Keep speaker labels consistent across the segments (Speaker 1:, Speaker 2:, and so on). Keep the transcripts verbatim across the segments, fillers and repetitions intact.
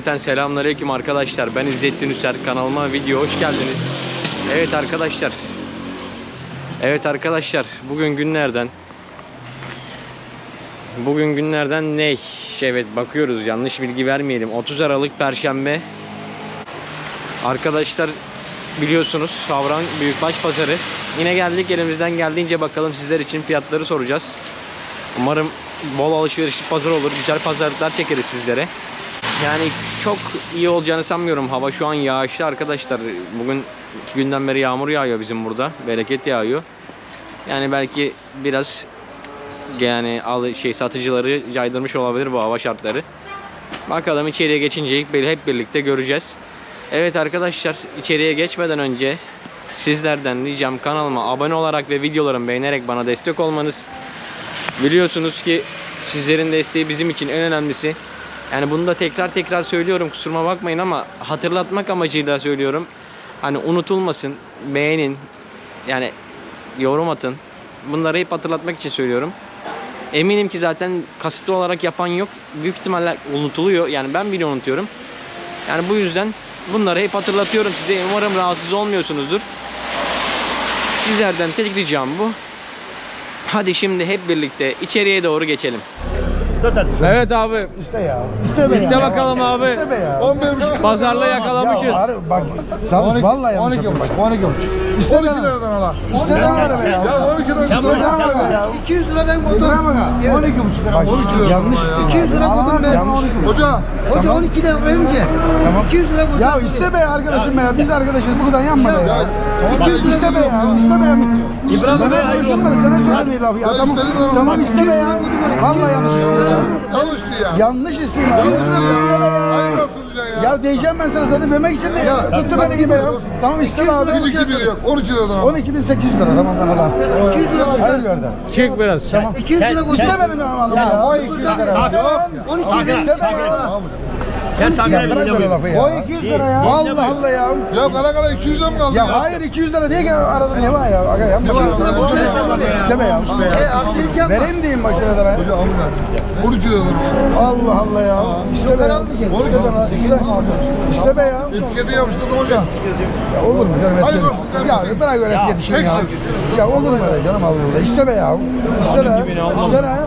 Speaker 1: Cümleten selamünaleyküm arkadaşlar. Ben İzzettin Üser. Kanalıma video hoş geldiniz. Evet arkadaşlar. Evet arkadaşlar. Bugün günlerden Bugün günlerden ne? Evet bakıyoruz. Yanlış bilgi vermeyelim. otuz Aralık Perşembe. Arkadaşlar biliyorsunuz Havran Büyükbaş Pazarı. Yine geldik, elimizden geldiğince bakalım sizler için fiyatları soracağız. Umarım bol alışverişli pazar olur. Güzel pazarlıklar çekeriz sizlere. Yani çok iyi olacağını sanmıyorum. Hava şu an yağışlı arkadaşlar. Bugün iki günden beri yağmur yağıyor bizim burada. Bereket yağıyor. Yani belki biraz yani al şey satıcıları caydırmış olabilir bu hava şartları. Bakalım içeriye geçince hep birlikte göreceğiz. Evet arkadaşlar, içeriye geçmeden önce sizlerden ricam kanalıma abone olarak ve videolarımı beğenerek bana destek olmanız. Biliyorsunuz ki sizlerin desteği bizim için en önemlisi. Yani bunu da tekrar tekrar söylüyorum, kusuruma bakmayın ama hatırlatmak amacıyla söylüyorum. Hani unutulmasın, beğenin, yani yorum atın. Bunları hep hatırlatmak için söylüyorum. Eminim ki zaten kasıtlı olarak yapan yok. Büyük ihtimalle unutuluyor. Yani ben bile unutuyorum. Yani bu yüzden bunları hep hatırlatıyorum size. Umarım rahatsız olmuyorsunuzdur. Sizlerden tek ricam bu. Hadi şimdi hep birlikte içeriye doğru geçelim. Evet abi.
Speaker 2: İste ya. İste be
Speaker 1: İste
Speaker 2: ya.
Speaker 1: bakalım abi.
Speaker 2: İste be ya.
Speaker 3: on bir buçuk.
Speaker 1: Pazarla yakalamışız.
Speaker 2: Ya var, bak sana vallahi yanlış yapıyorum.
Speaker 3: on iki buçuk.
Speaker 2: İste
Speaker 3: on iki
Speaker 2: be.
Speaker 3: liradan ala.
Speaker 2: İste be var be ya.
Speaker 3: Ya on iki liradan
Speaker 2: İste be var be ya.
Speaker 4: iki yüz lira ben motor.
Speaker 2: on iki buçuk lira. Bak yanlış istiyorsun.
Speaker 4: iki yüz lira buldum ben.
Speaker 2: Yanlış.
Speaker 3: Hoca.
Speaker 4: Hoca on iki lira verince.
Speaker 2: Tamam.
Speaker 4: iki yüz lira buldum.
Speaker 2: Ya iste be arkadaşım ya. Biz arkadaşız. Bu kadar yanma be ya.
Speaker 3: iki yüz lira
Speaker 2: İste be ya. İste be ya. İbrahim Bey konuşma sana söylediği laf ya.
Speaker 3: Ya
Speaker 2: Tamam.
Speaker 3: istedim ama
Speaker 2: Tamam
Speaker 3: bak,
Speaker 2: iste be ya. Vallahi yanlış istiyorsun.
Speaker 3: Yanlıştı ya.
Speaker 2: Yanlış istiyorsun. İste be ya.
Speaker 3: Hayır olsun ya.
Speaker 2: Ya diyeceğim ben sana zaten demek için de ya. Tuttu beni gibi ya. Tamam iste be abi.
Speaker 3: Bir iki bir yok. on iki liradan ala.
Speaker 2: on iki bin sekiz yüz lira tamam ben alalım.
Speaker 4: iki yüz lira
Speaker 2: Hayır
Speaker 4: bulacağız.
Speaker 2: gördüm.
Speaker 1: Çık biraz.
Speaker 2: Tamam.
Speaker 4: iki yüz lira
Speaker 2: İste
Speaker 4: bulacağız.
Speaker 2: benim alalım ya. O iki yüz lira.
Speaker 4: on iki lira.
Speaker 2: İste be ya.
Speaker 5: Sen
Speaker 2: Ya
Speaker 5: sakın
Speaker 2: bırak böyle lafı ya. O iki yüz lira ya. Vallahi Allah ya.
Speaker 3: Ya kala kala iki yüze mi kaldı ya?
Speaker 2: Ya hayır iki yüz lira diye ki arada ne var ya? Aga yapma.
Speaker 3: iki yüz lira
Speaker 4: bulacağız.
Speaker 2: İsteme ya.
Speaker 4: Şey aksilik yapma.
Speaker 2: Vereyim diyeyim başına da.
Speaker 3: Hoca alın ya. on iki liradan.
Speaker 2: Allah Allah ya. İsteme ya. İste. İste be ya.
Speaker 3: Etiketi yapıştırdım hocam.
Speaker 2: Ya olur mu canım?
Speaker 3: Hayır
Speaker 2: etkili?
Speaker 3: olsun kardeşim.
Speaker 2: Ya bırak öyle etkili işini ya.
Speaker 3: tek
Speaker 2: Ya olur mu öyle canım Allah Allah. İste be ya. İste be. İste be.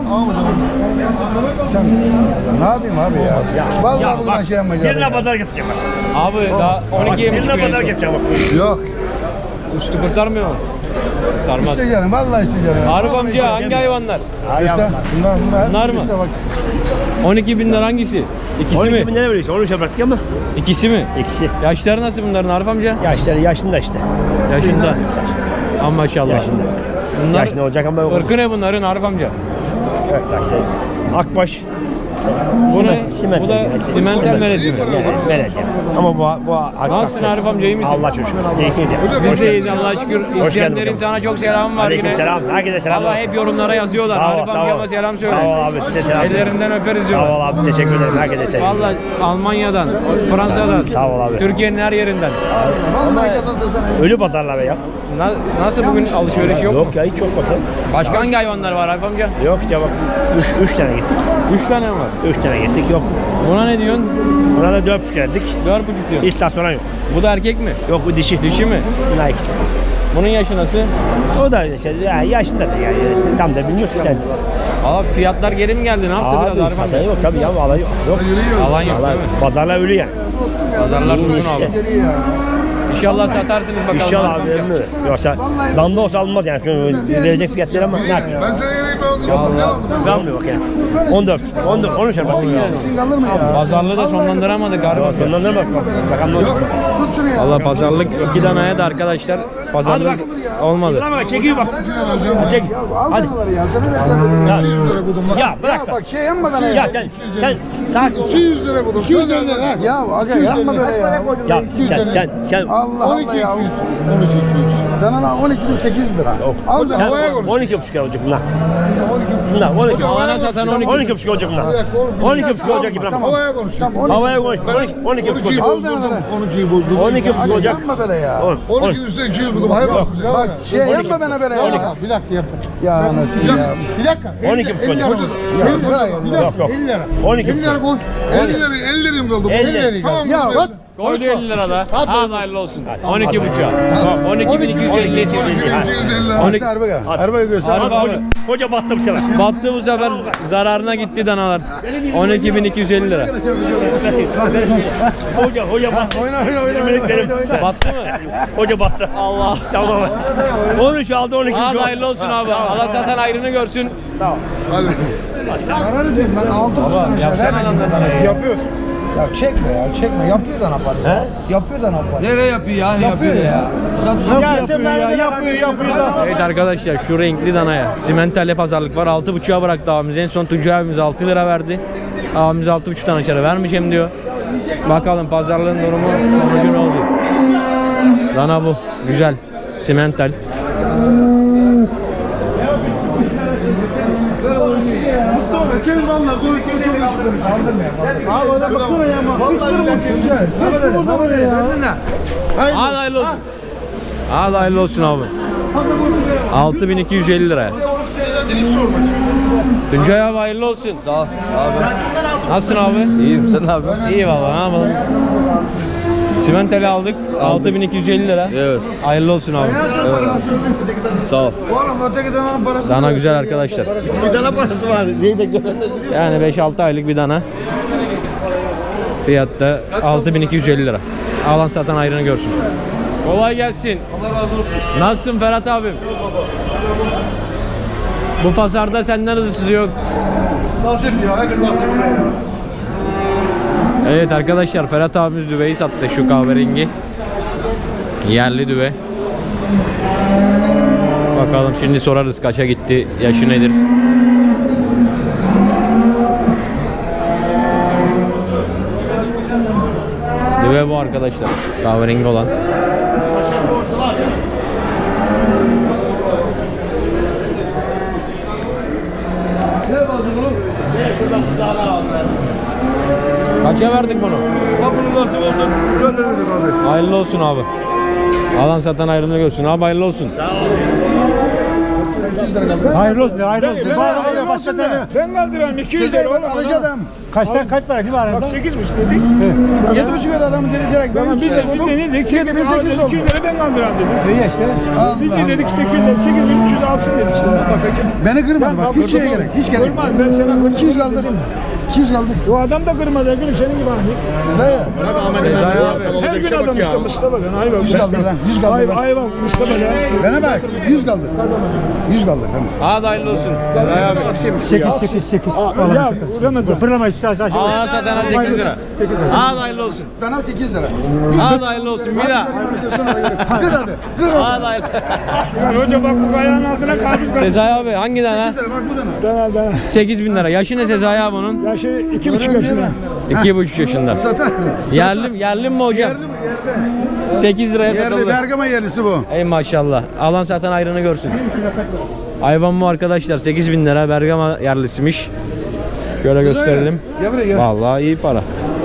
Speaker 2: Sen ne yapayım abi ya? Vallahi bugün şey yapmayacağım.
Speaker 5: birine pazar gideceğim bak.
Speaker 1: Abi daha on ikiye mi
Speaker 5: Birine
Speaker 1: çıkıyor?
Speaker 5: pazar gideceğim bak.
Speaker 3: Yok.
Speaker 1: Üstü kurtarmıyor mu? Kurtarmaz.
Speaker 2: İste canım. Vallahi iste canım.
Speaker 1: Arif amca hangi hayvanlar?
Speaker 2: İste. Bunlar bunlar.
Speaker 1: Bunlar mı?
Speaker 2: İste bak.
Speaker 1: on iki binler hangisi? İkisi
Speaker 5: on iki
Speaker 1: mi?
Speaker 5: bin lira veriyorsun. Onu şey bıraktık ama.
Speaker 1: İkisi mi?
Speaker 5: İkisi.
Speaker 1: Yaşları nasıl bunların Arif amca?
Speaker 5: Yaşları yaşında işte.
Speaker 1: Yaşında. Ama maşallah.
Speaker 5: Yaşında.
Speaker 1: Bunlar
Speaker 5: Yaşında olacak ama yok.
Speaker 1: ırkı ne bunların Arif amca?
Speaker 5: Evet yaşları. Akbaş.
Speaker 1: Bu ne?
Speaker 5: Simental.
Speaker 1: Bu da simental melezi mi?
Speaker 5: Melez yani. Ama bu bu Akbaş.
Speaker 1: Nasılsın Arif amca, iyi misin?
Speaker 5: Allah çok şükür. İyisin ya.
Speaker 1: Biz de iyiyiz Allah'a şükür.
Speaker 5: geldin
Speaker 1: İzleyenlerin
Speaker 5: bakalım.
Speaker 1: sana çok selamı var
Speaker 5: Aleyküm
Speaker 1: yine.
Speaker 5: selam. Herkese selam.
Speaker 1: Valla hep yorumlara yazıyorlar.
Speaker 5: Sağ ol,
Speaker 1: Arif
Speaker 5: sağ ol.
Speaker 1: amcama selam söyle.
Speaker 5: Sağ ol abi, size selam.
Speaker 1: Ellerinden öperiz
Speaker 5: Sağ
Speaker 1: diyorlar.
Speaker 5: ol abi. Teşekkür ederim. Herkese teşekkür ederim.
Speaker 1: Valla Almanya'dan, Fransa'dan,
Speaker 5: Sağ ol abi.
Speaker 1: Türkiye'nin her yerinden.
Speaker 5: Ölü pazarlar be ya.
Speaker 1: Na- nasıl bugün alışveriş yok mu?
Speaker 5: Yok ya hiç yok bakalım.
Speaker 1: Başka hangi hayvanlar var Arif amca?
Speaker 5: Yok ya bak. Üç, üç tane gittik.
Speaker 1: Üç tane mi var?
Speaker 5: Üç tane gittik yok.
Speaker 1: Buna ne diyorsun?
Speaker 5: Buna da dört buçuk geldik.
Speaker 1: Dört buçuk diyorsun.
Speaker 5: Hiç daha sonra yok.
Speaker 1: Bu da erkek mi?
Speaker 5: Yok bu dişi.
Speaker 1: Dişi mi?
Speaker 5: Bunlar ikisi.
Speaker 1: Bunun yaşı nasıl?
Speaker 5: O da işte, ya yaşında da yani tam da bilmiyoruz ki.
Speaker 1: Abi fiyatlar geri mi geldi? Ne yaptı
Speaker 5: Abi
Speaker 1: biraz Arif amca?
Speaker 5: pazar yok tabii ya alan yok. Yok.
Speaker 1: Alan yok
Speaker 5: Vallahi
Speaker 1: değil mi?
Speaker 5: pazarlar ölü yani.
Speaker 1: Pazarlar
Speaker 5: İyi
Speaker 1: durgun
Speaker 5: işte.
Speaker 1: abi. İnşallah satarsınız bakalım.
Speaker 5: İnşallah
Speaker 1: Arif
Speaker 5: abi
Speaker 1: amca.
Speaker 5: ölmüyor. Yoksa damda olsa alınmaz yani. Şu verecek fiyatları ama ne yapıyor?
Speaker 3: Ben sana geleyim ben onu. Ne var?
Speaker 5: Almıyor bak yani. on dört, on dört, on üç baktık ya.
Speaker 2: Kalır mı ya?
Speaker 1: Pazarlığı da sonlandıramadık Arif amca.
Speaker 5: Sonlandır bak bak. Bakalım ne olacak.
Speaker 2: Tut şunu ya.
Speaker 1: Valla pazarlık iki danaya da arkadaşlar pazarlık olmadı.
Speaker 5: Ulan bak çekiyor bak. Çek.
Speaker 2: Al
Speaker 5: Hadi.
Speaker 2: bunları ya. Sana beklemedim.
Speaker 5: Ya,
Speaker 3: iki yüz lira budum lan.
Speaker 5: ya bırak.
Speaker 2: Ya bak şey yapmadan
Speaker 5: Ya
Speaker 2: ya.
Speaker 5: sen sen sakin.
Speaker 3: iki yüz lira budum. iki yüz lira lan.
Speaker 2: Ya aga yapma böyle ya.
Speaker 5: Ya sen sen sen
Speaker 2: Allah
Speaker 3: on
Speaker 2: Allah
Speaker 3: iki
Speaker 2: ya.
Speaker 3: iki yüz. on iki iki yüz.
Speaker 2: Sana on iki bin sekiz yüz lira. Al be.
Speaker 5: sen
Speaker 3: havaya konuş.
Speaker 5: on iki buçuk olacak bunlar. Bunlar on iki.
Speaker 1: Alana satan on iki.
Speaker 5: on iki buçuk olacak bunlar. on iki buçuk olacak İbrahim.
Speaker 3: Havaya konuş.
Speaker 5: Havaya konuş. on iki buçuk olacak.
Speaker 3: bozdurdum. on ikiyi bozdurdum.
Speaker 5: on iki buçuk olacak.
Speaker 2: Yapma böyle ya.
Speaker 3: on iki üstüne iki yüz buldum. Hayır olsun.
Speaker 2: Bak şey yapma bana böyle ya.
Speaker 3: Bir dakika yaptım.
Speaker 2: Ya anasını ya.
Speaker 3: Bir dakika.
Speaker 5: on iki buçuk olacak. Yok yok.
Speaker 3: elli lira.
Speaker 5: on iki
Speaker 3: elli lira
Speaker 5: buçuk.
Speaker 3: koy. elli lira, elli lirim kaldı.
Speaker 5: elli.
Speaker 3: elli lira. Tamam.
Speaker 2: Ya bak.
Speaker 1: Koydu elli lira da. Hadi hayırlı olsun. on iki buçuğa. on iki bin iki yüz elli.
Speaker 3: on iki bin iki yüz elli lira.
Speaker 2: Hadi Erbaga. Erbaga göster.
Speaker 1: Hadi abi.
Speaker 5: Hoca, hoca battı bu sefer.
Speaker 1: Battı bu sefer zararına gitti danalar. on iki bin iki yüz elli lira.
Speaker 5: Hoca, hoca battı.
Speaker 2: Oyna oyna oyna.
Speaker 5: Yeminliklerim.
Speaker 1: Battı mı?
Speaker 5: Hoca battı.
Speaker 1: Allah.
Speaker 5: Tamam. on üç aldı on iki
Speaker 1: Hadi
Speaker 5: buçuk.
Speaker 1: hayırlı olsun abi. Allah satan ayrını görsün.
Speaker 3: Hadi.
Speaker 2: Zarar edeyim ben altı buçuk tane şey vermeyeceğim. Yapıyorsun. Ya çekme ya çekme. Yapıyor da napar ya. Yapıyor da napar.
Speaker 4: Nereye yapıyor yani yapıyor ya.
Speaker 2: Nasıl yapıyor ya? Yapıyor yapıyor da.
Speaker 1: Evet arkadaşlar şu renkli danaya simenterle pazarlık var. altı buçuğa bıraktı abimiz. En son Tuncay abimiz altı lira verdi. Abimiz altı buçuktan aşağı vermeyeceğim diyor. Bakalım pazarlığın durumu sonucu ne oldu? Dana bu. Güzel. Simental. Hadi hayırlı olsun. Hadi hayırlı olsun abi. altı bin iki yüz elli liraya. Tuncay abi hayırlı olsun.
Speaker 4: Sağ ol abi.
Speaker 1: Nasılsın abi?
Speaker 4: İyiyim sen abi.
Speaker 1: İyi valla ne yapalım. Simentali aldık. altı bin iki yüz elli lira.
Speaker 4: Evet.
Speaker 1: Hayırlı olsun abi.
Speaker 4: Sağ ol.
Speaker 1: Dana güzel arkadaşlar.
Speaker 5: Bir tane parası var.
Speaker 1: Yani beş altı aylık bir dana. Fiyatta altı bin iki yüz elli lira. Alan satan ayrını görsün. Kolay gelsin. Allah razı olsun. Nasılsın Ferhat abim? Bu pazarda senden hızlısı yok.
Speaker 3: Nasip ya. Herkes nasip ya.
Speaker 1: Evet arkadaşlar Ferhat abimiz düveyi sattı şu kahverengi. Yerli düve. Bakalım şimdi sorarız kaça gitti, yaşı nedir? Düve bu arkadaşlar. Kahverengi olan. Kaça verdik bunu?
Speaker 3: Bunu nasip olsun. Gönderirdik abi.
Speaker 1: Hayırlı olsun abi. Alan satan ayrılığını görsün. Abi hayırlı olsun.
Speaker 5: Hayırlı olsun. Hayırlı olsun.
Speaker 2: Hayırlı olsun de.
Speaker 6: Ben kaldırıyorum iki yüz
Speaker 2: Size
Speaker 6: lira
Speaker 2: ben
Speaker 6: oğlum.
Speaker 2: alacağım.
Speaker 5: Kaçtan kaç para ne var arada?
Speaker 6: Bak sekiz mi istedik?
Speaker 2: Yedi buçuk öde adamı direkt direkt.
Speaker 6: Tamam biz de biz de ne dedik?
Speaker 2: Yedi bin sekiz yüz
Speaker 6: iki
Speaker 2: oldu.
Speaker 6: yüz lira ben kaldırıyorum dedim.
Speaker 5: İyi işte.
Speaker 6: Biz de
Speaker 2: Allah.
Speaker 6: dedik sekiz lira sekiz bin üç yüz alsın dedik işte. Bakacağım.
Speaker 2: Beni kırmadı bak. Hiç şeye gerek. Hiç gerek.
Speaker 6: Kırmaz ben sana
Speaker 2: iki yüz
Speaker 6: kırmaz.
Speaker 2: kaldı. iki yüz kaldı.
Speaker 6: O adam da kırmaz ya gülüm senin gibi hani.
Speaker 2: Size ya.
Speaker 1: Sezai abi.
Speaker 6: Her gün adam işte Mustafa ben ayva.
Speaker 2: Yüz kaldı lan. Yüz kaldı.
Speaker 6: Ayva ayva Mustafa ya.
Speaker 2: Bana bak. Yüz kaldı. Yüz kaldı. Tamam.
Speaker 1: Hadi hayırlı olsun. Sezai abi.
Speaker 5: sekiz sekiz sekiz.
Speaker 6: Ya Ramazan.
Speaker 5: Pırlamayız.
Speaker 1: Alan satana sekiz lira. Hadi hayırlı olsun.
Speaker 2: Dana sekiz lira.
Speaker 1: Hadi hayırlı olsun. Bir daha.
Speaker 2: Kır hadi. Kır hadi.
Speaker 1: Hadi hayırlı.
Speaker 6: Yani hoca bak bu ayağın altına kaldı.
Speaker 1: Sezai abi hangi dana?
Speaker 2: Bak bu dana.
Speaker 6: Dana dana.
Speaker 1: sekiz bin lira. Yaşı ne Sezai abi bunun?
Speaker 6: Ya şey iki buçuk yaşında.
Speaker 1: iki buçuk yaşında.
Speaker 2: Zaten.
Speaker 1: Yerli, yerli mi hocam? sekiz liraya
Speaker 2: Yerli
Speaker 1: satıldı.
Speaker 2: Bergama yerlisi bu.
Speaker 1: Ey maşallah. Alan satan ayrını görsün. Hayvan bu arkadaşlar. sekiz bin lira Bergama yerlisiymiş. Şöyle gösterelim.
Speaker 2: Gel buraya gel.
Speaker 1: Vallahi iyi para.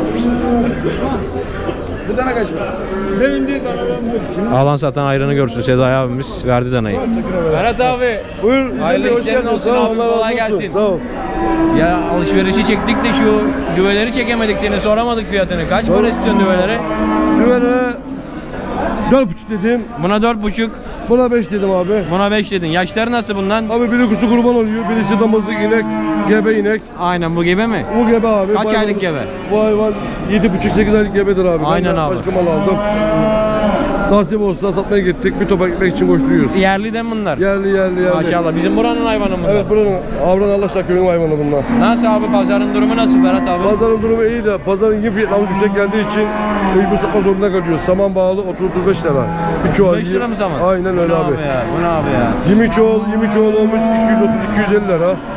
Speaker 2: Bu dana kaç para?
Speaker 6: Benim değil dana.
Speaker 1: Alan satan ayrını görsün. Sezai abimiz verdi danayı. Ferhat abi.
Speaker 6: Buyur.
Speaker 1: Hayırlı işlerin olsun abi. Kolay gelsin.
Speaker 6: Sağ ol.
Speaker 1: Ya alışverişi çektik de şu düveleri çekemedik seni. Soramadık fiyatını. Kaç para istiyorsun düvelere?
Speaker 7: Güvene dört buçuk dedim.
Speaker 1: Buna dört buçuk.
Speaker 7: Buna beş dedim abi.
Speaker 1: Buna beş dedin. Yaşları nasıl bundan?
Speaker 7: Abi biri kuzu kurban oluyor. Birisi damızlık inek. Gebe inek.
Speaker 1: Aynen bu gibi mi?
Speaker 7: Bu gebe abi.
Speaker 1: Kaç
Speaker 7: Bu
Speaker 1: aylık
Speaker 7: hayvanımız-
Speaker 1: gebe?
Speaker 7: Bu hayvan yedi buçuk sekiz aylık gebedir abi.
Speaker 1: Aynen
Speaker 7: ben de
Speaker 1: abi.
Speaker 7: başka mal aldım. Nasip olsa satmaya gittik. Bir topak ekmek için koşturuyoruz.
Speaker 1: Yerli de mi bunlar?
Speaker 7: Yerli yerli yerli.
Speaker 1: Maşallah. Bizim buranın hayvanı bunlar.
Speaker 7: Evet buranın Avran Allah'ta köyün hayvanı bunlar.
Speaker 1: Nasıl abi pazarın durumu nasıl Ferhat abi?
Speaker 7: Pazarın durumu iyi de pazarın yem fiyatlarımız yüksek geldiği için mecbur satma zorunda kalıyoruz. Saman bağlı otuz otuz beş lira. Bir çuval.
Speaker 1: beş lira mı saman?
Speaker 7: Aynen öyle
Speaker 1: Bu ne
Speaker 7: abi.
Speaker 1: ya? Bu ne abi ya?
Speaker 7: yirmi çuval, yirmi çuval olmuş iki yüz otuz iki yüz elli lira.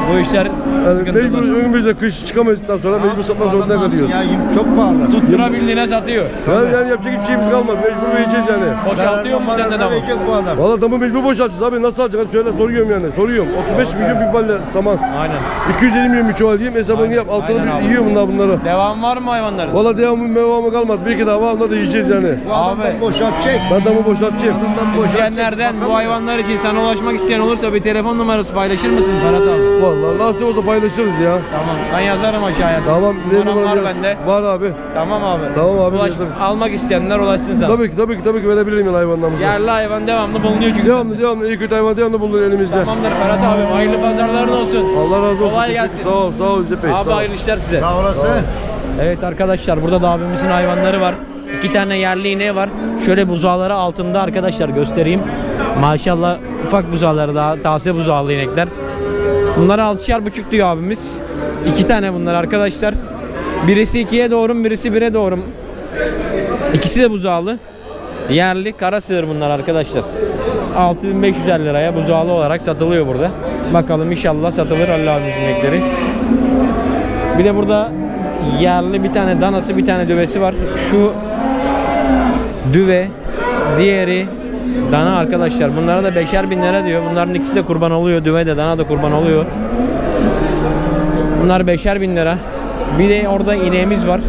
Speaker 1: Bu işler
Speaker 7: Yani
Speaker 1: sıkıntılı.
Speaker 7: mecbur önümüzde kış çıkamadıktan sonra mecbur satmak zorunda kalıyoruz.
Speaker 2: Çok pahalı.
Speaker 1: Tutturabildiğine satıyor.
Speaker 7: Yani, yani yapacak hiçbir şeyimiz kalmadı. Mecbur vereceğiz yani.
Speaker 1: Boşaltıyor mu sen de damı?
Speaker 2: bu adam.
Speaker 7: Valla damı mecbur boşaltacağız abi. Nasıl alacak? Hadi söyle, soruyorum yani. Soruyorum. otuz beş milyon bir balle saman.
Speaker 1: Aynen.
Speaker 7: iki yüz elli milyon bir çuval diyeyim. Hesabını yap. Altını
Speaker 1: aynen abi.
Speaker 7: bir yiyor bunlar bunları.
Speaker 1: Devam var mı hayvanların?
Speaker 7: Valla devamı mevamı kalmadı. Bir iki daha var. Onları da yiyeceğiz yani.
Speaker 1: Abi
Speaker 2: Boşaltacak.
Speaker 7: Ben damı boşaltacağım.
Speaker 1: izleyenlerden bu hayvanlar için sana ulaşmak isteyen olursa bir telefon numarası paylaşır mısın Ferhat abi?
Speaker 7: Valla nasip olsa paylaşırız ya.
Speaker 1: Tamam ben yazarım aşağıya.
Speaker 7: Tamam. Ne
Speaker 1: Numaram var
Speaker 7: numaram yaz.
Speaker 1: bende.
Speaker 7: Var abi.
Speaker 1: Tamam abi.
Speaker 7: Tamam abi,
Speaker 1: Ulaş,
Speaker 7: yazarım.
Speaker 1: almak isteyenler ulaşsın sana.
Speaker 7: Tabii ki tabii ki tabii ki verebilirim yani hayvanlarımızı.
Speaker 1: Yerli hayvan devamlı bulunuyor çünkü.
Speaker 7: Devamlı devamlı iyi kötü hayvan devamlı bulunur elimizde.
Speaker 1: Tamamdır Ferhat abi. Hayırlı pazarların olsun.
Speaker 7: Allah razı olsun.
Speaker 1: Kolay
Speaker 7: Teşekkür-
Speaker 1: gelsin.
Speaker 7: Sağ ol sağ ol İzzet Bey.
Speaker 1: Abi
Speaker 7: sağ ol.
Speaker 1: hayırlı işler size.
Speaker 2: Sağ olasın.
Speaker 1: Evet arkadaşlar burada da abimizin hayvanları var. İki tane yerli ineği var. Şöyle buzağları altında arkadaşlar göstereyim. Maşallah ufak buzağları daha taze buzağlı inekler. Bunlara altışar buçuk diyor abimiz. İki tane bunlar arkadaşlar. Birisi ikiye doğru, birisi bire doğru. İkisi de buzağlı. Yerli kara sığır bunlar arkadaşlar. altı bin beş yüz elli liraya buzağlı olarak satılıyor burada. Bakalım inşallah satılır Allah abimizin inekleri. Bir de burada yerli bir tane danası bir tane düvesi var. Şu düve, diğeri dana arkadaşlar. Bunlara da beşer bin lira diyor. Bunların ikisi de kurban oluyor. Düve de dana da kurban oluyor. Bunlar beşer bin lira. Bir de orada ineğimiz var.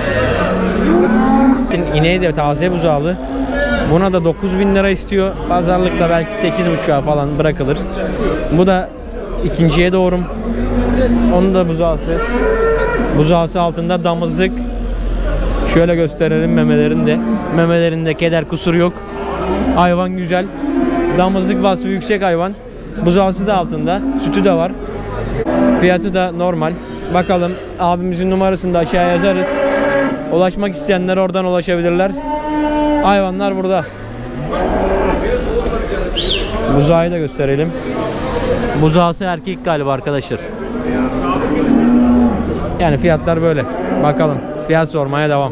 Speaker 1: İneği de taze buzağlı. Buna da dokuz bin lira istiyor. Pazarlıkta belki sekiz buçuğa falan bırakılır. Bu da ikinciye doğru. Onun da buzağısı. Buzağısı altında damızlık. Şöyle gösterelim memelerinde. Memelerinde keder kusur yok. Hayvan güzel. Damızlık vasfı yüksek hayvan. Buzağısı da altında. Sütü de var. Fiyatı da normal. Bakalım abimizin numarasını da aşağıya yazarız. Ulaşmak isteyenler oradan ulaşabilirler. Hayvanlar burada. Buzağı da gösterelim. Buzağısı erkek galiba arkadaşlar. Yani fiyatlar böyle. Bakalım. Fiyat sormaya devam.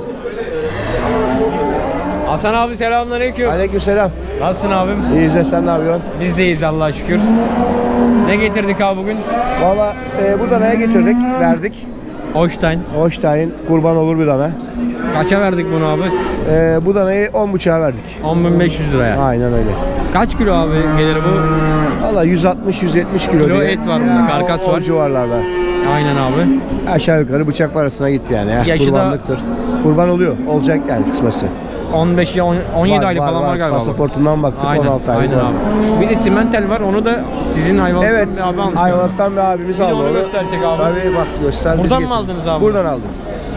Speaker 1: Hasan abi selamünaleyküm.
Speaker 2: Aleykümselam.
Speaker 1: Nasılsın abim?
Speaker 2: İyiyiz de sen ne yapıyorsun?
Speaker 1: Biz deyiz Allah'a şükür. Ne getirdik abi bugün?
Speaker 2: Valla e, bu danaya getirdik, verdik.
Speaker 1: Holstein.
Speaker 2: Holstein kurban olur bir dana.
Speaker 1: Kaça verdik bunu abi?
Speaker 2: E, bu danayı on buçuğa verdik.
Speaker 1: on bin beş yüz liraya.
Speaker 2: Aynen öyle.
Speaker 1: Kaç kilo abi gelir bu?
Speaker 2: Valla yüz altmış yüz yetmiş kilo,
Speaker 1: Kilo
Speaker 2: diye.
Speaker 1: et var bunda, karkas
Speaker 2: o,
Speaker 1: var.
Speaker 2: O civarlarda.
Speaker 1: Aynen abi.
Speaker 2: Aşağı yukarı bıçak parasına gitti yani. ya.
Speaker 1: Yaşı da-
Speaker 2: Kurbanlıktır. Kurban oluyor. Olacak yani kısması.
Speaker 1: on beş ya on- on yedi
Speaker 2: Var,
Speaker 1: aylık
Speaker 2: var,
Speaker 1: falan var,
Speaker 2: var.
Speaker 1: galiba. bu.
Speaker 2: Pasaportundan baktık
Speaker 1: Aynen,
Speaker 2: on altı aylık
Speaker 1: aynen
Speaker 2: var.
Speaker 1: abi. Bir de simentel var. Onu da sizin hayvanlıktan
Speaker 2: Evet.
Speaker 1: bir abi almış.
Speaker 2: Ayvalık'tan bir abimiz
Speaker 1: Bir de
Speaker 2: aldı
Speaker 1: onu
Speaker 2: onu.
Speaker 1: göstersek abi.
Speaker 2: Tabii bak göster. biz
Speaker 1: Buradan mı
Speaker 2: getirdik.
Speaker 1: aldınız abi?
Speaker 2: Buradan aldım.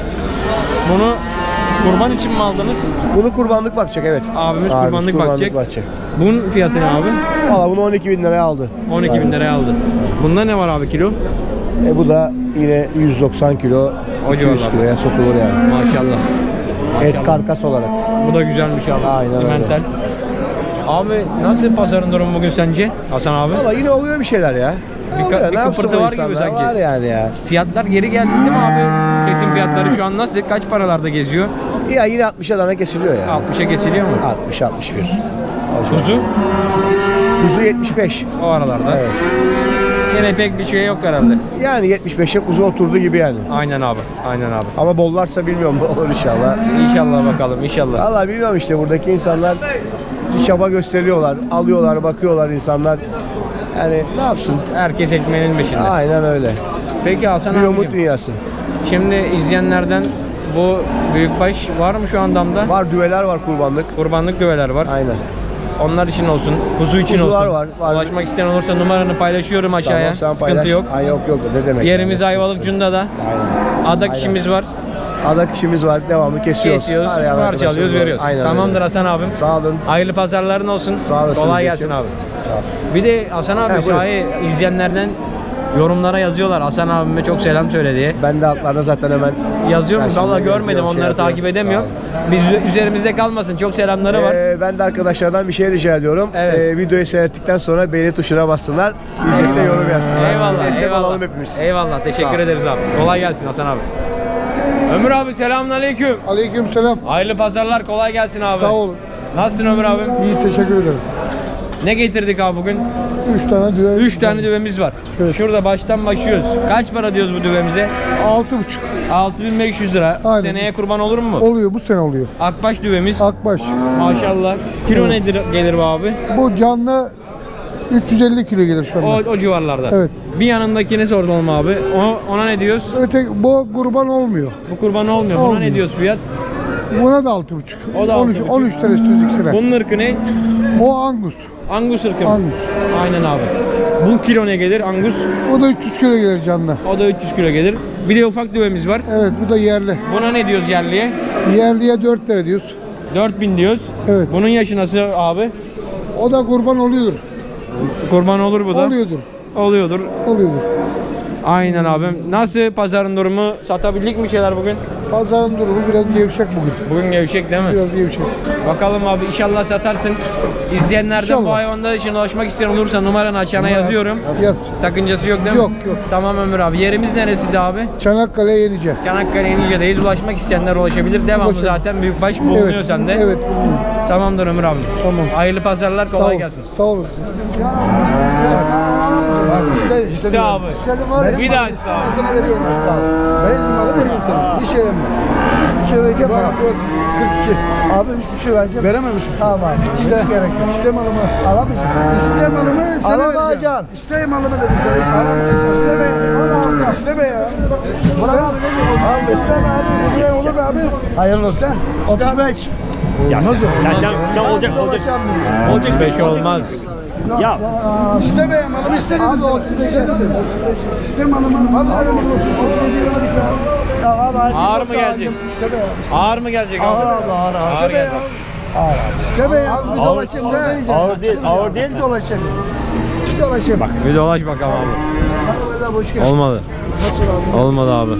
Speaker 1: Bunu kurban için mi aldınız?
Speaker 2: Bunu kurbanlık bakacak evet.
Speaker 1: Abimiz kurbanlık bakacak.
Speaker 2: bakacak.
Speaker 1: Bunun fiyatı ne abi?
Speaker 2: Valla bunu on iki bin liraya aldı.
Speaker 1: on iki bin liraya aldı. Bunda ne var abi kilo?
Speaker 2: E bu da yine yüz doksan kilo,
Speaker 1: O
Speaker 2: iki yüz
Speaker 1: civarlarda.
Speaker 2: kiloya sokulur yani.
Speaker 1: Maşallah.
Speaker 2: Et karkas olarak.
Speaker 1: Bu da güzelmiş abi.
Speaker 2: Aynen öyle.
Speaker 1: Simentel. Abi nasıl pazarın durumu bugün sence Hasan abi?
Speaker 2: Valla yine oluyor bir şeyler ya.
Speaker 1: Bir ka-
Speaker 2: Oluyor,
Speaker 1: bir
Speaker 2: ne yapsın
Speaker 1: kıpırtı
Speaker 2: bu
Speaker 1: var gibi
Speaker 2: insanlar?
Speaker 1: sanki.
Speaker 2: Var yani ya.
Speaker 1: Fiyatlar geri geldi değil mi abi? Kesim fiyatları şu an nasıl? Kaç paralarda geziyor?
Speaker 2: Ya yine altmışa tane kesiliyor ya.
Speaker 1: altmışa geçiliyor mu?
Speaker 2: altmış altmış bir.
Speaker 1: Kuzu
Speaker 2: Kuzu yetmiş beş.
Speaker 1: o aralarda.
Speaker 2: Evet.
Speaker 1: Yine pek bir şey yok herhalde.
Speaker 2: Yani yetmiş beşe kuzu oturdu gibi yani.
Speaker 1: Aynen abi. Aynen abi.
Speaker 2: Ama bollarsa bilmiyorum olur inşallah.
Speaker 1: İnşallah bakalım inşallah.
Speaker 2: Valla bilmiyorum işte buradaki insanlar bir çaba gösteriyorlar. Alıyorlar, bakıyorlar insanlar. Yani ne yapsın?
Speaker 1: Herkes ekmeğinin peşinde.
Speaker 2: Aynen öyle.
Speaker 1: Peki Hasan
Speaker 2: Bir umut
Speaker 1: abicim.
Speaker 2: dünyası.
Speaker 1: Şimdi izleyenlerden bu büyükbaş var mı şu an damda?
Speaker 2: Var düveler var kurbanlık.
Speaker 1: Kurbanlık düveler var.
Speaker 2: Aynen.
Speaker 1: Onlar için olsun. Kuzu için
Speaker 2: Kuzular
Speaker 1: olsun.
Speaker 2: var, var.
Speaker 1: Ulaşmak isteyen olursa numaranı paylaşıyorum aşağıya.
Speaker 2: Tamam, sen
Speaker 1: Sıkıntı
Speaker 2: paylaş.
Speaker 1: yok.
Speaker 2: Ay yok yok ne demek.
Speaker 1: Yerimiz
Speaker 2: yani,
Speaker 1: Ayvalık
Speaker 2: sıkıntısı.
Speaker 1: Cunda'da.
Speaker 2: Aynen.
Speaker 1: Adak işimiz var.
Speaker 2: Adak işimiz var. Devamlı kesiyoruz.
Speaker 1: Kesiyoruz,
Speaker 2: Arayan
Speaker 1: parçalıyoruz,
Speaker 2: arkadaşlarımız var.
Speaker 1: veriyoruz.
Speaker 2: Aynen
Speaker 1: Tamamdır
Speaker 2: öyle.
Speaker 1: Hasan abim.
Speaker 2: Sağ olun.
Speaker 1: Hayırlı pazarların olsun.
Speaker 2: Sağ olasın
Speaker 1: Kolay
Speaker 2: Recep.
Speaker 1: gelsin abi.
Speaker 2: Sağ ol.
Speaker 1: Bir de Hasan abi
Speaker 2: He, buyurun.
Speaker 1: şahi izleyenlerden yorumlara yazıyorlar. Hasan abime çok selam söyle diye.
Speaker 2: Ben de altlarda zaten hemen
Speaker 1: Yazıyor mu?
Speaker 2: Karşımda
Speaker 1: Vallahi görmedim.
Speaker 2: yazıyorum, şey
Speaker 1: Onları
Speaker 2: yapıyorum.
Speaker 1: takip edemiyorum.
Speaker 2: Sağ
Speaker 1: Biz üzerimizde kalmasın. Çok selamları var.
Speaker 2: Ee, ben de arkadaşlardan bir şey rica ediyorum.
Speaker 1: Evet.
Speaker 2: Ee, videoyu seyrettikten sonra beğeni tuşuna bassınlar. İzleyip de yorum yazsınlar.
Speaker 1: Eyvallah.
Speaker 2: Destek
Speaker 1: eyvallah.
Speaker 2: olalım hepimiz.
Speaker 1: Eyvallah. Teşekkür
Speaker 2: Sağ ol.
Speaker 1: ederiz abi. Kolay gelsin Hasan abi. Ömür abi selamünaleyküm.
Speaker 3: Aleykümselam.
Speaker 1: Hayırlı pazarlar. Kolay gelsin abi.
Speaker 3: Sağ olun.
Speaker 1: Nasılsın Ömür abim?
Speaker 3: İyi teşekkür ederim.
Speaker 1: Ne getirdik abi bugün?
Speaker 2: Üç tane düve.
Speaker 1: üç tane düvemiz var.
Speaker 2: Evet.
Speaker 1: Şurada baştan başlıyoruz. Kaç para diyoruz bu düvemize?
Speaker 2: Altı buçuk.
Speaker 1: altı bin beş yüz lira.
Speaker 2: Aynen.
Speaker 1: Seneye kurban olur mu?
Speaker 2: Oluyor, bu sene oluyor.
Speaker 1: Akbaş düvemiz.
Speaker 2: Akbaş.
Speaker 1: Maşallah. Kilo nedir gelir bu abi?
Speaker 2: Bu canlı üç yüz elli kilo gelir şu
Speaker 1: O,
Speaker 2: anda.
Speaker 1: o civarlarda.
Speaker 2: Evet.
Speaker 1: Bir yanındakini sordum abi. O, ona ne diyoruz?
Speaker 2: Öte, bu kurban olmuyor.
Speaker 1: Bu kurban olmuyor. Buna
Speaker 2: Olmuyor.
Speaker 1: ne diyoruz fiyat?
Speaker 2: Buna da altı buçuk.
Speaker 1: O da
Speaker 2: on üç,
Speaker 1: altı buçuk.
Speaker 2: on üç lira istiyoruz ikisine.
Speaker 1: Bunun ırkı ne?
Speaker 2: O Angus.
Speaker 1: Angus ırkı mı?
Speaker 2: Angus.
Speaker 1: Aynen abi. Bu kilo ne gelir? Angus.
Speaker 2: O da üç yüz kilo gelir canlı.
Speaker 1: O da üç yüz kilo gelir. Bir de ufak düvemiz var.
Speaker 2: Evet, bu da yerli.
Speaker 1: Buna ne diyoruz yerliye?
Speaker 2: Yerliye dört lira diyoruz.
Speaker 1: dört bin diyoruz.
Speaker 2: Evet.
Speaker 1: Bunun yaşı nasıl abi?
Speaker 2: O da kurban oluyordur.
Speaker 1: Kurban olur bu da.
Speaker 2: Oluyordur.
Speaker 1: Oluyordur.
Speaker 2: Oluyordur.
Speaker 1: Aynen abim. Nasıl pazarın durumu? Satabildik mi şeyler bugün?
Speaker 2: Pazarın durumu biraz gevşek bugün.
Speaker 1: Bugün gevşek değil mi?
Speaker 2: Biraz gevşek.
Speaker 1: Bakalım abi inşallah satarsın. İzleyenlerden
Speaker 2: İnşallah.
Speaker 1: bu hayvanlar için ulaşmak isteyen olursa numaranı aşağına yazıyorum.
Speaker 2: Yaz.
Speaker 1: Sakıncası yok değil mi?
Speaker 2: Yok, yok.
Speaker 1: Tamam Ömür abi. Yerimiz neresiydi abi?
Speaker 2: Çanakkale Yenice.
Speaker 1: Çanakkale Yenice'deyiz. Ulaşmak isteyenler ulaşabilir. Devamlı
Speaker 2: Ulaşabilir.
Speaker 1: zaten büyükbaş bulunuyor
Speaker 2: Evet.
Speaker 1: sende.
Speaker 2: Evet.
Speaker 1: Tamamdır Ömür abi.
Speaker 2: Tamam.
Speaker 1: Hayırlı pazarlar,
Speaker 2: Sağ
Speaker 1: kolay
Speaker 2: ol.
Speaker 1: gelsin.
Speaker 2: Sağ olun.
Speaker 3: Bak iste, iste.
Speaker 1: İşte abi. Bir daha iste abi.
Speaker 3: Ben sana veriyorum şu kadar. Ben malı veriyorum sana. Hiç yerim ben. Üç buçuk vereceğim. Bana dört, kırk iki. Abi üç buçuk vereceğim. Veremem üç buçuk. Tamam abi. İste. Hiç gerek yok. İste malımı. Alamayacağım. İste malımı sana vereceğim. İste malımı dedim sana. İste. İsteme. İsteme ya. İste. Al isteme abi. Ne diye olur be abi? Hayırlı olsun. otuz beş. Olmaz öyle.
Speaker 5: Sen, sen, sen olacak, olacak.
Speaker 1: otuz beş olmaz.
Speaker 5: Ya
Speaker 3: İste be malımı iste dedim sana. İste malımı. Vallahi malımı otuz yedi lira dedik ya. Ya abi hadi.
Speaker 1: Ağır mı gelecek?
Speaker 3: İste be.
Speaker 1: Ağır mı gelecek abi?
Speaker 3: Ağır abi ağır ağır.
Speaker 1: Ağır geldi.
Speaker 3: İste be ya. Bir dolaşayım. İste.
Speaker 5: ağır değil, ağır değil.
Speaker 3: Bir dolaşayım. Bir dolaşayım. Bak.
Speaker 1: Bir dolaş bakalım abi.
Speaker 3: Boş gel.
Speaker 1: Olmadı. Olmadı abi.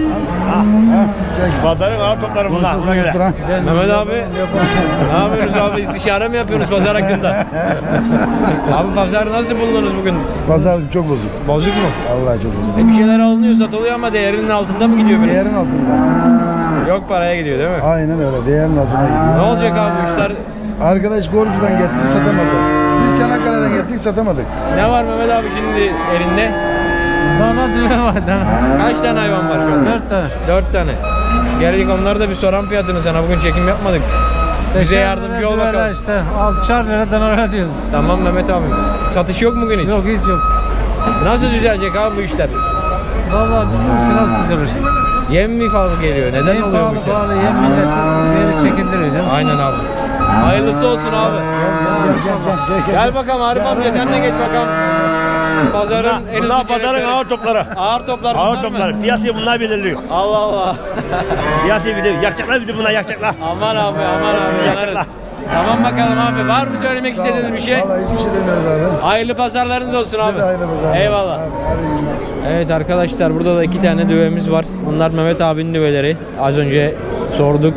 Speaker 5: Pazarın ağır topları bunlar. Buna göre.
Speaker 1: Mehmet abi. Ne yapıyorsunuz abi? İstişare mi yapıyorsunuz pazar hakkında? Abi pazarı nasıl buldunuz bugün?
Speaker 3: Pazar çok bozuk.
Speaker 1: Bozuk mu?
Speaker 3: Allah çok bozuk.
Speaker 1: E bir şeyler alınıyor, satılıyor ama değerinin altında mı gidiyor biraz?
Speaker 3: Değerin altında.
Speaker 1: Yok paraya gidiyor değil mi?
Speaker 3: Aynen öyle. Değerin altına gidiyor.
Speaker 1: Ne olacak abi bu işler?
Speaker 3: Arkadaş Gorcu'dan gitti satamadı. Biz Çanakkale'den gittik satamadık.
Speaker 1: Ne var Mehmet abi şimdi elinde?
Speaker 8: Dana düve var dana.
Speaker 1: Kaç tane hayvan var şu anda?
Speaker 8: Dört tane.
Speaker 1: Dört tane. Gelecek onları da bir soran fiyatını sana. Bugün çekim yapmadık. Bize
Speaker 8: Beşer
Speaker 1: yardımcı
Speaker 8: lira
Speaker 1: ol
Speaker 8: düveler
Speaker 1: bakalım.
Speaker 8: işte. Altışar lira danalara diyoruz.
Speaker 1: Tamam Mehmet abi. Satış yok mu bugün hiç?
Speaker 8: Yok hiç yok.
Speaker 1: Nasıl düzelecek abi bu işler?
Speaker 8: Vallahi bilmiyorum ki nasıl düzelir.
Speaker 1: Yem mi fazla geliyor? Neden
Speaker 8: En
Speaker 1: oluyor bu
Speaker 8: pahalı
Speaker 1: işler?
Speaker 8: pahalı yem milleti veri çekindiriyor canım.
Speaker 1: Aynen abi. Hayırlısı olsun abi. Gel bakalım Arif amca sen de geç bakalım. Pazarın en
Speaker 5: Bunlar
Speaker 1: hızlı
Speaker 5: pazarın
Speaker 1: çeyrekleri.
Speaker 5: ağır topları.
Speaker 1: Ağır toplar
Speaker 5: Ağır
Speaker 1: bunlar mı?
Speaker 5: topları. Piyasayı bunlar belirliyor.
Speaker 1: Allah Allah.
Speaker 5: Piyasayı belirliyor. Yakacaklar bizi bunlar yakacaklar.
Speaker 1: Aman abi aman abi yanarız. Tamam bakalım abi. Var mı söylemek istediğiniz bir şey?
Speaker 3: Vallahi hiçbir şey demiyoruz abi.
Speaker 1: Hayırlı pazarlarınız olsun abi.
Speaker 3: Size de hayırlı pazarlar.
Speaker 1: Eyvallah.
Speaker 3: Hadi, hadi iyi günler.
Speaker 1: Evet arkadaşlar burada da iki tane düvemiz var. Bunlar Mehmet abinin düveleri. Az önce sorduk.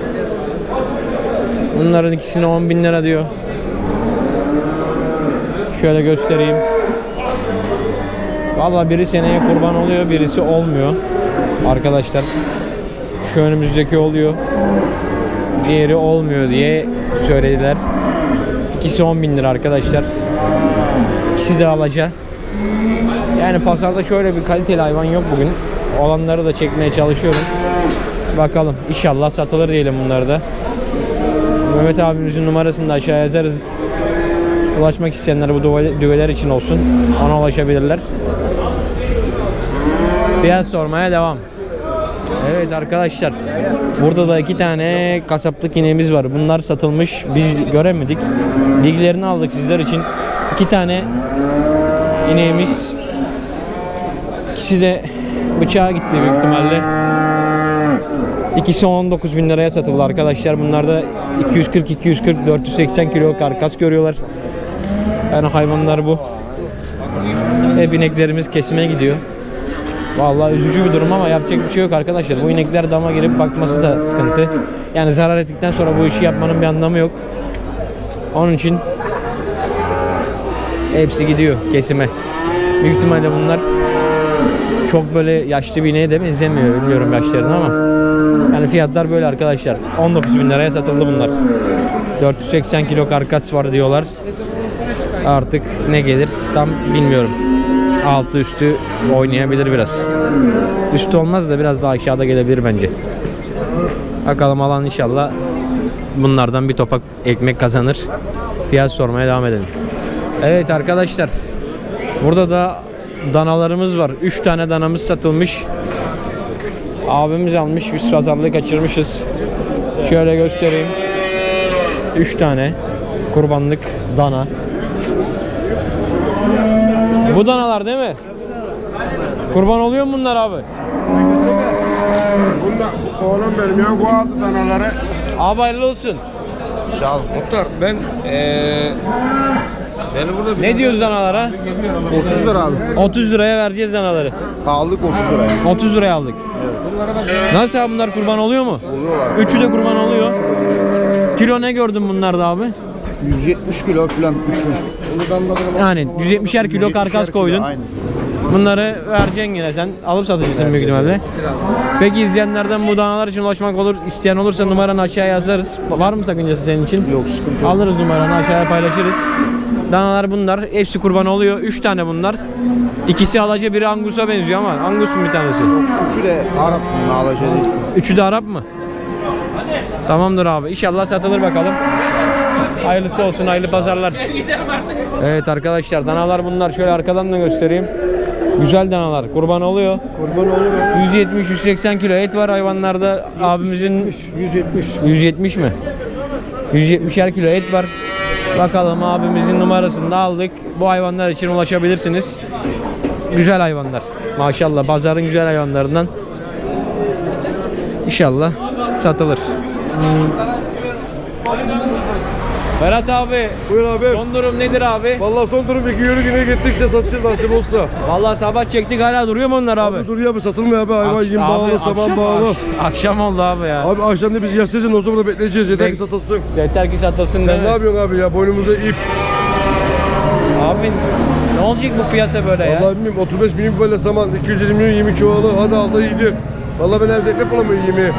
Speaker 1: Bunların ikisine on bin lira diyor. Şöyle göstereyim. Vallahi biri seneye kurban oluyor, birisi olmuyor. Arkadaşlar şu önümüzdeki oluyor. Diğeri olmuyor diye söylediler. İkisi on bin lira arkadaşlar. İkisi de alacak. Yani pazarda şöyle bir kaliteli hayvan yok bugün. Olanları da çekmeye çalışıyorum. Bakalım inşallah satılır diyelim bunları da. Mehmet abimizin numarasını da aşağıya yazarız. Ulaşmak isteyenler bu düve- düveler için olsun. Ona ulaşabilirler. Fiyat sormaya devam. Evet arkadaşlar. Burada da iki tane kasaplık ineğimiz var. Bunlar satılmış. Biz göremedik. Bilgilerini aldık sizler için. İki tane ineğimiz. İkisi de bıçağa gitti büyük ihtimalle. İkisi on dokuz bin liraya satıldı arkadaşlar. Bunlar da iki yüz kırk iki yüz kırk dört yüz seksen kilo karkas görüyorlar. Yani hayvanlar bu. Hep ineklerimiz kesime gidiyor. Vallahi üzücü bir durum ama yapacak bir şey yok arkadaşlar. Bu inekler dama girip bakması da sıkıntı. Yani zarar ettikten sonra bu işi yapmanın bir anlamı yok. Onun için hepsi gidiyor kesime. Büyük ihtimalle bunlar çok böyle yaşlı bir ineğe de benzemiyor. Bilmiyorum yaşlarını ama. Yani fiyatlar böyle arkadaşlar. on dokuz bin liraya satıldı bunlar. dört yüz seksen kilo karkas var diyorlar. Artık ne gelir tam bilmiyorum. Altı üstü oynayabilir biraz. Üstü olmaz da biraz daha aşağıda gelebilir bence. Bakalım alan inşallah bunlardan bir topak ekmek kazanır. Fiyat sormaya devam edelim. Evet arkadaşlar. Burada da danalarımız var. üç tane danamız satılmış. Abimiz almış. Biz pazarlığı kaçırmışız. Şöyle göstereyim. üç tane kurbanlık dana. Bu danalar değil mi? Kurban oluyor mu bunlar abi?
Speaker 7: Bunda oğlum benim ya bu altı danaları.
Speaker 1: Abi hayırlı olsun.
Speaker 4: Muhtar ben eee beni burada bir
Speaker 1: Ne diyoruz danalara?
Speaker 3: otuz lira abi.
Speaker 1: otuz liraya vereceğiz danaları.
Speaker 3: Aldık otuz liraya.
Speaker 1: otuz liraya aldık. Nasıl abi bunlar kurban oluyor mu? Oluyorlar. Üçü de kurban oluyor. Kilo ne gördün bunlarda abi?
Speaker 3: yüz yetmiş kilo falan.
Speaker 1: Yani yüz yetmişer kilo karkas koydun.
Speaker 3: Aynen.
Speaker 1: Bunları vereceksin yine sen. Alıp satıcısın büyük ihtimalle. Peki izleyenlerden bu danalar için ulaşmak olur. İsteyen olursa numaranı aşağıya yazarız. Var mı sakıncası senin için?
Speaker 3: Yok, sıkıntı yok.
Speaker 1: Alırız numaranı aşağıya paylaşırız. Danalar bunlar. Hepsi kurban oluyor. Üç tane bunlar. İkisi alaca, biri Angus'a benziyor ama Angus mu bir tanesi?
Speaker 3: Üçü de Arap nalaca değil.
Speaker 1: Üçü de Arap mı? Tamamdır abi. İnşallah satılır bakalım. Hayırlısı olsun, hayırlı pazarlar. Evet arkadaşlar, danalar bunlar. Şöyle arkadan da göstereyim. Güzel danalar. Kurban oluyor.
Speaker 3: Kurban oluyor.
Speaker 1: yüz yetmiş yüz seksen kilo et var hayvanlarda. Abimizin
Speaker 3: yüz yetmiş.
Speaker 1: yüz yetmiş mi? yüz yetmişer kilo et var. Bakalım, abimizin numarasını da aldık. Bu hayvanlar için ulaşabilirsiniz. Güzel hayvanlar. Maşallah pazarın güzel hayvanlarından. İnşallah satılır. Berat abi,
Speaker 7: Buyur abi.
Speaker 1: son durum nedir abi?
Speaker 7: Vallahi son durum iki yürü güne gittik işte satacağız nasip olsa.
Speaker 1: Vallahi sabah çektik, hala duruyor mu onlar abi?
Speaker 7: Dur ya, bir satılmıyor abi, hayvan
Speaker 1: Akş-
Speaker 7: yem
Speaker 1: abi,
Speaker 7: bağlı, saman
Speaker 1: akşam-
Speaker 7: bağlı.
Speaker 1: akş- Akşam oldu abi ya.
Speaker 7: Abi akşam da biz yaslayacağız, o zaman da bekleyeceğiz, yeter ki satılsın.
Speaker 1: Yeter ki satılsın değil
Speaker 7: Sen
Speaker 1: mi?
Speaker 7: ne yapıyorsun abi ya, boynumuzda ip.
Speaker 1: Abi ne olacak bu piyasa böyle ya?
Speaker 7: Vallahi bilmiyorum, otuz beş milyon böyle saman, iki yüz elli milyon yemi çoğalı, hadi al da iyidir. Vallahi ben evde ekmek bulamıyorum yemi.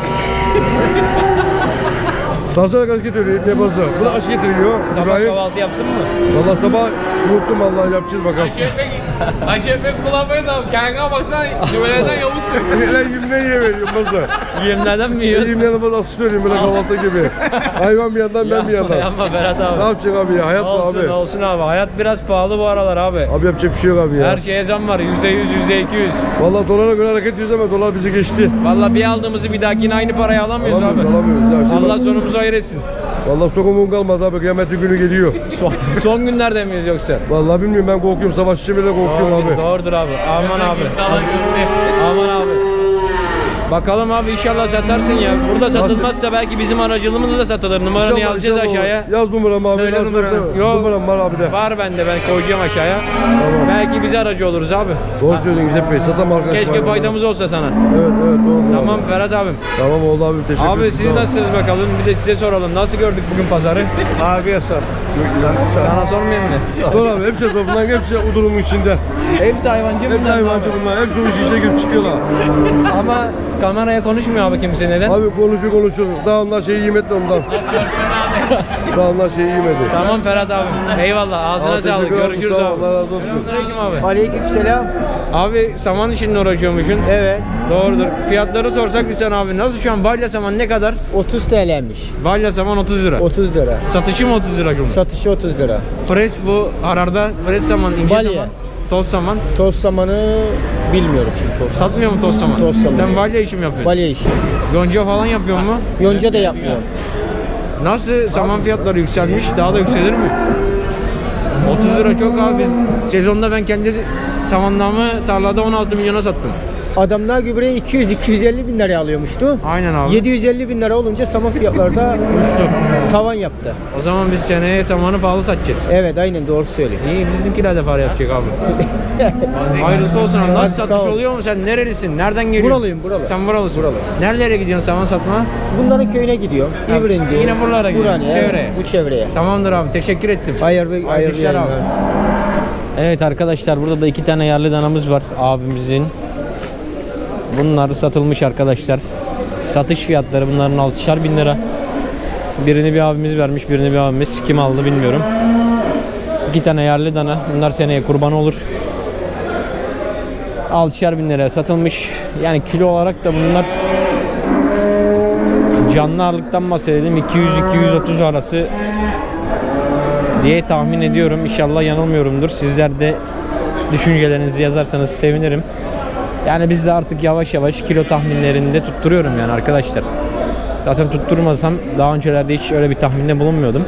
Speaker 7: Tansiyona kaç getiriyor, ne bazı? Bu da aş getiriyor.
Speaker 1: Sabah
Speaker 7: İbrahim.
Speaker 1: kahvaltı yaptın mı?
Speaker 7: Vallahi sabah unuttum, vallahi yapacağız bakalım.
Speaker 4: Ayşe pek bulamıyor da kendine baksana güveneden yavuzsun.
Speaker 7: Lan yemine yiye veriyorum bazı.
Speaker 1: Yemlerden mi yiyorsun?
Speaker 7: Yemine bazı asılıyorum böyle kahvaltı gibi. Hayvan bir yandan, ben bir yandan.
Speaker 1: Yapma Berat
Speaker 7: Ne
Speaker 1: abi.
Speaker 7: yapacaksın abi ya, hayat bu
Speaker 1: Olsun
Speaker 7: abi.
Speaker 1: olsun abi. Hayat biraz pahalı bu aralar abi.
Speaker 7: Abi yapacak bir şey yok abi ya.
Speaker 1: Her şeye zam var. yüzde yüz, yüzde iki yüz.
Speaker 7: Vallahi dolara göre hareket ediyoruz ama dolar bizi geçti.
Speaker 1: Vallahi bir aldığımızı bir dahakine aynı parayı alamıyoruz
Speaker 7: Alamıyoruz,
Speaker 1: abi.
Speaker 7: alamıyoruz ya. Şimdi
Speaker 1: Allah sonumuzu hayır etsin.
Speaker 7: vallahi sokumun kalmadı abi, kıyametin günü geliyor.
Speaker 1: Son, son günlerde miyiz yoksa?
Speaker 7: Vallahi bilmiyorum, ben korkuyorum, savaşçı bile korkuyorum
Speaker 1: Doğrudur,
Speaker 7: abi.
Speaker 1: doğrudur abi. Aman abi. Aman abi. Bakalım abi, inşallah satarsın ya. Burada satılmazsa belki bizim aracılığımızla da satılır. Numaranı
Speaker 7: İnşallah,
Speaker 1: yazacağız
Speaker 7: inşallah
Speaker 1: aşağıya.
Speaker 7: olur. Yaz numaramı abi.
Speaker 1: Söyle
Speaker 7: yaz
Speaker 1: numaranı.
Speaker 7: numaramı.
Speaker 1: Yok.
Speaker 7: Numaram var abi de.
Speaker 1: Var bende, ben koyacağım aşağıya. Belki bize aracı oluruz abi.
Speaker 7: Doğru söylüyorsun İzzet Bey. Satam arkadaşım.
Speaker 1: Keşke faydamız olsa sana.
Speaker 7: Evet evet doğru.
Speaker 1: Tamam Ferhat abim.
Speaker 7: Tamam oldu abi, teşekkür ederim.
Speaker 1: Abi siz nasılsınız bakalım? Bir de size soralım. Nasıl gördük bugün pazarı?
Speaker 3: Abiye sor. Sor.
Speaker 1: Sana sormayayım mı?
Speaker 7: Sor abi, hepsi sor. Bunların hepsi o durumun içinde.
Speaker 1: Hepsi hayvancı
Speaker 7: Hepsi
Speaker 1: bunlar
Speaker 7: hayvancı
Speaker 1: abi.
Speaker 7: bunlar. Hepsi o işin içine girip çıkıyorlar.
Speaker 1: Ama kameraya konuşmuyor abi kimse, neden?
Speaker 7: Abi konuşuyor konuşuyor. Daha onlar şeyi yemedi ondan. Daha onlar şeyi yemedi.
Speaker 1: Tamam Ferhat abi. Eyvallah. Ağzına
Speaker 7: Abi,
Speaker 1: sağlık.
Speaker 7: teşekkür ederim.
Speaker 1: Görüşürüz
Speaker 7: Sağ ol,
Speaker 1: abi.
Speaker 7: Allah razı olsun.
Speaker 1: Aleyküm abi.
Speaker 3: Aleykümselam.
Speaker 1: Abi saman işinle uğraşıyormuşsun.
Speaker 3: Evet.
Speaker 1: Doğrudur. Fiyatları sorsak bir sen abi. Nasıl şu an balya saman ne kadar?
Speaker 3: otuz T L'ymiş.
Speaker 1: Balya saman otuz lira.
Speaker 3: otuz lira.
Speaker 1: Satışı mı otuz lira şu an?
Speaker 3: Satışı otuz lira.
Speaker 1: Pres bu ararda. Pres saman, ince
Speaker 3: Balya.
Speaker 1: saman. Toz saman.
Speaker 3: Toz samanı bilmiyorum şimdi toz samanı.
Speaker 1: Satmıyor mu toz saman?
Speaker 3: Toz saman.
Speaker 1: Sen balya işi mi yapıyorsun?
Speaker 3: Balya işi.
Speaker 1: Yonca falan yapıyor mu?
Speaker 3: Yonca da yapmıyorum.
Speaker 1: Nasıl saman fiyatları yükselmiş? Daha da yükselir mi? otuz lira çok abi. Biz sezonda ben kendi samanlığımı tarlada on altı milyona sattım.
Speaker 3: Adamlar gübreyi iki yüz iki yüz elli bin liraya alıyormuştu.
Speaker 1: Aynen abi.
Speaker 3: yedi yüz elli bin lira olunca saman fiyatları da
Speaker 1: Uçtu.
Speaker 3: tavan yaptı.
Speaker 1: O zaman biz seneye samanı pahalı satacağız.
Speaker 3: Evet aynen doğru söylüyor.
Speaker 1: İyi, bizimkiler de para yapacak abi. Hayırlısı olsun abi.
Speaker 3: Hadi
Speaker 1: Nasıl
Speaker 3: sağ
Speaker 1: satış
Speaker 3: ol.
Speaker 1: oluyor mu? Sen nerelisin? Nereden geliyorsun?
Speaker 3: Buralıyım, buralı.
Speaker 1: Sen buralısın.
Speaker 3: Buralı.
Speaker 1: Nerelere gidiyorsun saman satma?
Speaker 3: Bunların köyüne gidiyor. İvrindi.
Speaker 1: yine buralara gidiyor,
Speaker 3: Burhan'a,
Speaker 1: çevreye.
Speaker 3: Bu çevreye.
Speaker 1: Tamamdır abi. Teşekkür ettim.
Speaker 3: Hayırlı,
Speaker 1: Hayırlı
Speaker 3: hayırlı
Speaker 1: işler abi.
Speaker 3: yayınlar.
Speaker 1: Evet arkadaşlar, burada da iki tane yerli danamız var abimizin. Bunlar satılmış arkadaşlar. Satış fiyatları bunların altışar bin lira. Birini bir abimiz vermiş, birini bir abimiz. Kim aldı bilmiyorum. İki tane yerli dana. Bunlar seneye kurban olur. altışar bin liraya satılmış. Yani kilo olarak da bunlar canlı ağırlıktan bahsedelim. iki yüz iki yüz otuz arası diye tahmin ediyorum. İnşallah yanılmıyorumdur. Sizler de düşüncelerinizi yazarsanız sevinirim. Yani biz de artık yavaş yavaş kilo tahminlerinde tutturuyorum yani arkadaşlar. Zaten tutturmasam daha öncelerde hiç öyle bir tahminde bulunmuyordum.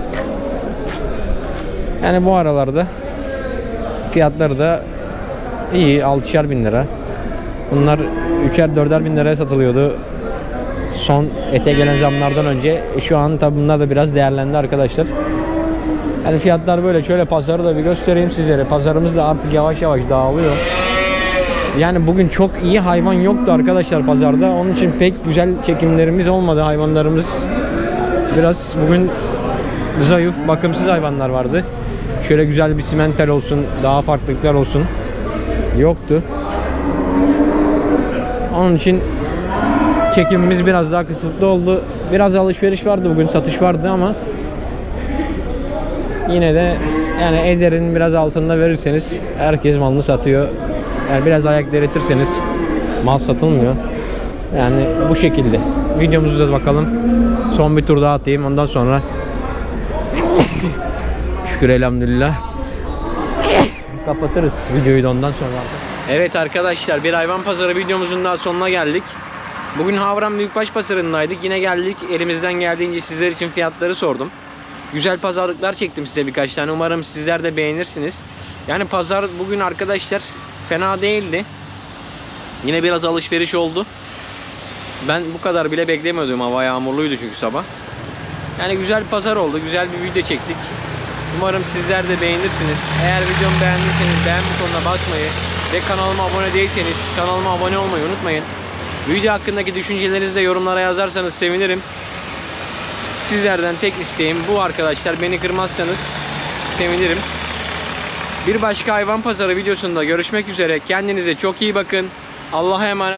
Speaker 1: Yani bu aralarda fiyatları da iyi, altışar bin lira. Bunlar üçer dörder bin liraya satılıyordu son ete gelen zamlardan önce. E şu an tabi bunlar da biraz değerlendi arkadaşlar. Yani fiyatlar böyle. Şöyle pazarı da bir göstereyim sizlere. Pazarımız da artık yavaş yavaş dağılıyor. Yani bugün çok iyi hayvan yoktu arkadaşlar pazarda. Onun için pek güzel çekimlerimiz olmadı. Hayvanlarımız biraz bugün zayıf, bakımsız hayvanlar vardı. Şöyle güzel bir simental olsun, daha farklılıklar olsun yoktu. Onun için çekimimiz biraz daha kısıtlı oldu. Biraz alışveriş vardı bugün, satış vardı ama yine de yani ederin biraz altında verirseniz herkes malını satıyor. Yani biraz ayak diretirseniz mal satılmıyor. Yani bu şekilde. Videomuzu da bakalım. Son bir tur daha atayım. Ondan sonra şükür elhamdülillah kapatırız videoyu da ondan sonra. Evet arkadaşlar, bir hayvan pazarı videomuzun daha sonuna geldik. Bugün Havran Büyükbaş Pazarı'ndaydık. Yine geldik. Elimizden geldiğince sizler için fiyatları sordum. Güzel pazarlıklar çektim size birkaç tane. Umarım sizler de beğenirsiniz. Yani pazar bugün arkadaşlar fena değildi. Yine biraz alışveriş oldu. Ben bu kadar bile beklemiyordum. Hava yağmurluydu çünkü sabah. Yani güzel bir pazar oldu. Güzel bir video çektik. Umarım sizler de beğenirsiniz. Eğer videomu beğendiyseniz beğen butonuna basmayı ve kanalıma abone değilseniz kanalıma abone olmayı unutmayın. Video hakkındaki düşüncelerinizi de yorumlara yazarsanız sevinirim. Sizlerden tek isteğim bu arkadaşlar. Beni kırmazsanız sevinirim. Bir başka hayvan pazarı videosunda görüşmek üzere. Kendinize çok iyi bakın. Allah'a emanet.